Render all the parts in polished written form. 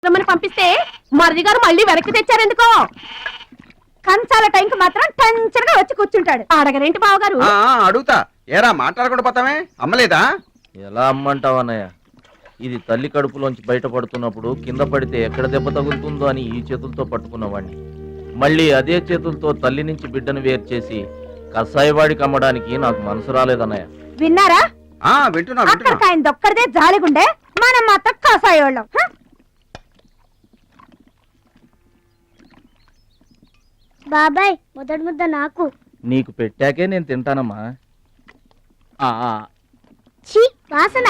రమ్మని పంపిస్తే మరిది గారు మళ్ళీ వెనక్కి తెచ్చారెందుకో. కంచాల టైంకి మాత్రం టెన్షన్గా వచ్చి కూర్చుంటాడు. అడగరేంటి బావగారు? అడుగుతా. ఏరా మాట్లాడకుండా పోతామే? అమ్మలేదా? ఎలా అమ్మంటావన్నయ్య? ఇది తల్లి కడుపులోంచి బయటపడుతున్నప్పుడు కింద పడితే ఎక్కడ దెబ్బ తగులుతుందో అని ఈ చేతులతో పట్టుకున్నవాడిని మళ్ళీ అదే చేతులతో తల్లి నుంచి బిడ్డను వేరు చేసి కసాయివాడికి అమ్మడానికి నాకు మనసు రాలేదన్నయ్య. విన్నారా? వింటున్నా. అక్కడికి ఆయన దొక్కడిదే జాలిగుండే, మనం మాత్రం కసాయోళ్ళం. బాబాయ్ మొదటి ముద్ద నాకు. నీకు పెట్టాకే నేను తింటానమ్మా. ఛీ వాసన.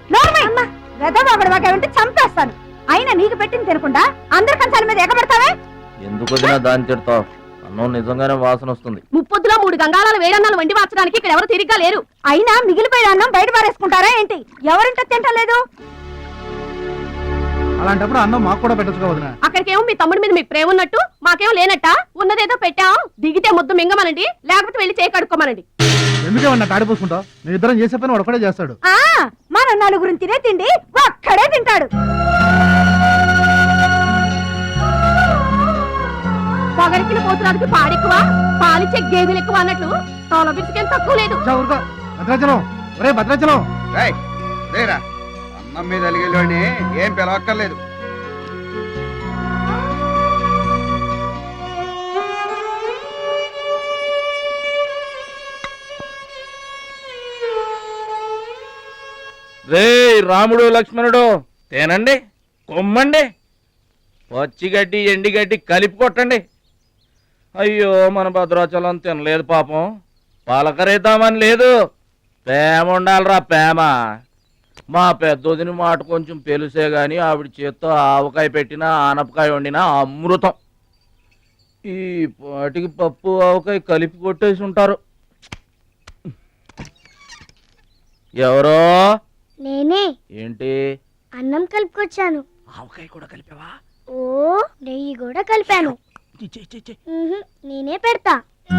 ఉంటే చంపేస్తాను. అయినా నీకు పెట్టింది తినకుండా అందరి కంచాల మీద ఎగబడతావే ఎందుకు వదినా దాన్ని తిడతావు? అన్నం నిజంగానే వాసన వస్తుంది. ముప్పొద్దులో 3 గంగాళాలు వేడన్నాలు వండి మార్చడానికి ఇక్కడ ఎవరు తిరిగ్గా లేరు. అయినా మిగిలిపోయిన అన్నం బయట పారేసుకుంటారా ఏంటి? ఎవరింటే తింటలేదు. అలాంటప్పుడు అన్నం మాకు కూడా పెట్టచ్చు వదినా. అక్కడికేమో మీ తమ్ముడి మీద మీకు ప్రేమ ఉన్నట్టు, మాకేమో లేనట్ట. ఉన్నదేదో పెట్టాం, దిగితే ముద్దు మింగమనండి, లేకపోతే వెళ్ళి చేయి కడుక్కోమనండి. ఎందుకేమన్నా తాడిపోసుకుంటావు? నేను ఇద్దరం చేసే పని ఒకడే చేస్తాడు. మన నలుగురిని తినే తిండి ఒక్కడే తింటాడు. పొగరికిన పోతురానికి పాడెక్కువ, పాలిచ్చే గేదెలు ఎక్కువ అన్నట్లు తోల బిడ్డకేం తక్కువ లేదు. భద్రాచలం, ఒరే భద్రాచలం. రేరా, అన్నం మీద అలిగేలోని ఏం పిలవక్కర్లేదు. రే రాముడు లక్ష్మణుడు, తేనండి, కొమ్మండి, పచ్చిగడ్డి ఎండిగడ్డి కలిపి కొట్టండి. అయ్యో మన భద్రాచలం తినలేదు పాపం. పలకరేద్దామని లేదు, ప్రేమ ఉండాలిరా ప్రేమ. మా పెద్దోదిని మాట కొంచెం పెలుసే గాని ఆవిడ చేత్తో ఆవకాయ పెట్టినా ఆనపకాయ వండినా అమృతం. ఈ పాటికి పప్పు ఆవకాయ కలిపి కొట్టేసి ఉంటారు. ఎవరో? నేనే. ఏంటి? అన్నం కలుపుకొచ్చాను. ఆవకాయ కూడా కలిపావా? ఓ నెయ్యి కూడా కలిపాను. నేనే పెడతా.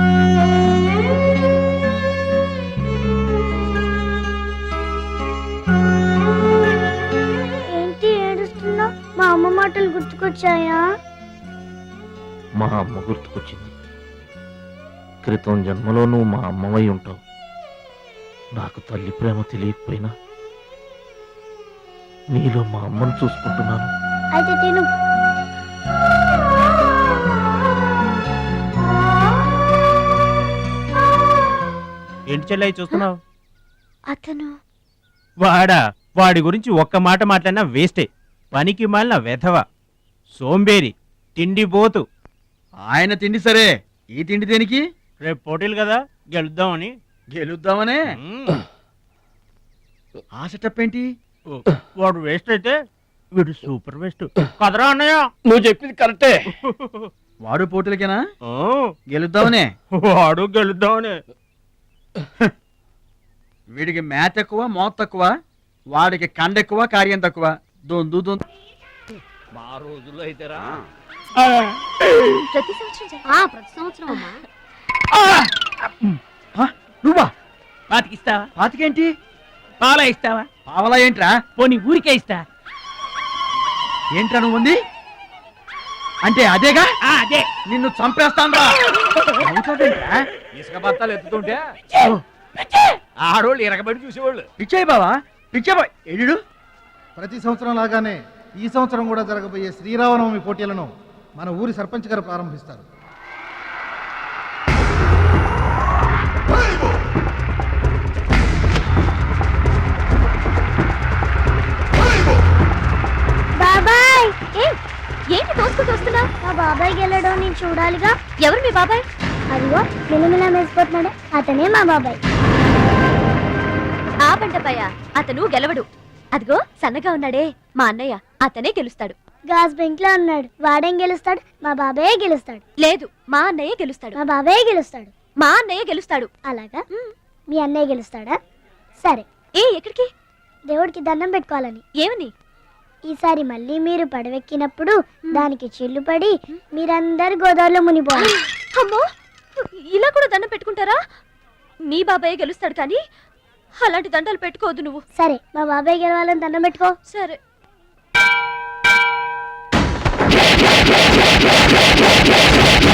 ఏంటి ఏడుస్తున్నావు? మా అమ్మ మాటలు గుర్తుకొచ్చాయా? మా అమ్మ గుర్తుకొచ్చింది. క్రితం జన్మలో నువ్వు మా అమ్మవై ఉంటావు. నాకు తల్లి ప్రేమ తెలియకపోయినా నీలో మా అమ్మను చూసుకుంటున్నాను. అయితే తిను. ఏంటి చెల్లయ్య చూస్తున్నావు? అతను వాడి గురించి ఒక్క మాట మాట్లాడినా వేస్టే. పనికి మాలిన వెధవ, సోంబేరి, తిండి పోతు. ఆయన తిండి సరే, ఈ తిండి దేనికి? రేపు పోటీలు కదా, గెలుద్దామని. గెలుద్దామనే? ఆ సెటప్ ఏంటి? వాడు వేస్ట్ అయితే వీడు సూపర్ వేస్ట్ కదరా అన్నయ్య. నువ్వు చెప్పింది కరెక్టే. వాడు పోటీలకేనా? గెలుద్దామనే? వాడు గెలుద్దామనే. వీడికి మ్యాథ్ ఎక్కువ, మోత్ తక్కువ. వాడికి కండ ఎక్కువ, కార్యం తక్కువ. దొందు మా రోజుల్లో అయితేరా ప్రతి సంవత్సరం అమ్మా. నువ్వా? పాతికిస్తావా? పాతికేంటి? పాలా ఇస్తావా? పావలా ఏంట్రా? పోనీ ఊరికే ఇస్తా. ఏంట్రా నువ్వు ఉంది అంటే? అదేగా, అదే. నిన్ను చంపేస్తాను రా. ఇసుక బత్తాలు ఎత్తుతుంటే ఆడోళ్ళు ఇరగబడి చూసేవాళ్ళు. పిచ్చాయి బావా, పిచ్చాయి ఎడు. ప్రతి సంవత్సరం లాగానే ఈ సంవత్సరం కూడా జరగబోయే శ్రీరామనవమి పోటీలను మన ఊరి సర్పంచ్ గారు ప్రారంభిస్తారు. బాబాయ్, ఏంటి తోసుకుంటూ వస్తున్నావు? మా బాబాయ్ గెలడం నేను చూడాలిగా. ఎవరు మీ బాబాయ్? అదిగో మిలమిలా మెసిపోతున్నాడే, అతనే మా బాబాయ్. ఆ పంటపయ్య, అతను గెలవడు. అదిగో సన్నగా ఉన్నాడే మా అన్నయ్య, అతనే గెలుస్తాడు. గాజ్ బెంక్ లో ఉన్నాడు, వాడేం గెలుస్తాడు? మా బాబాయ్ గెలుస్తాడు. లేదు, మా అన్నయ్య గెలుస్తాడు. మా బాబాయ్ గెలుస్తాడు. మా అన్నయ్య గెలుస్తాడు. అలాగా? మీ అన్నయ్య గెలుస్తాడా? సరే. ఎక్కడికి? దేవుడికి దండం పెట్టుకోవాలని. ఏమని? ఈసారి మళ్ళీ మీరు పడవెక్కినప్పుడు దానికి చిల్లు పడి మీరందరు గోదావరిలో మునిపోవాలి. అమ్మో, ఇలా కూడా దండం పెట్టుకుంటారా? మీ బాబాయ్ గెలుస్తాడు కానీ అలాంటి దండాలు పెట్టుకోవద్దు నువ్వు. సరే, మా బాబాయ్ గెలవాలని దండం పెట్టుకో. సరే. ఆ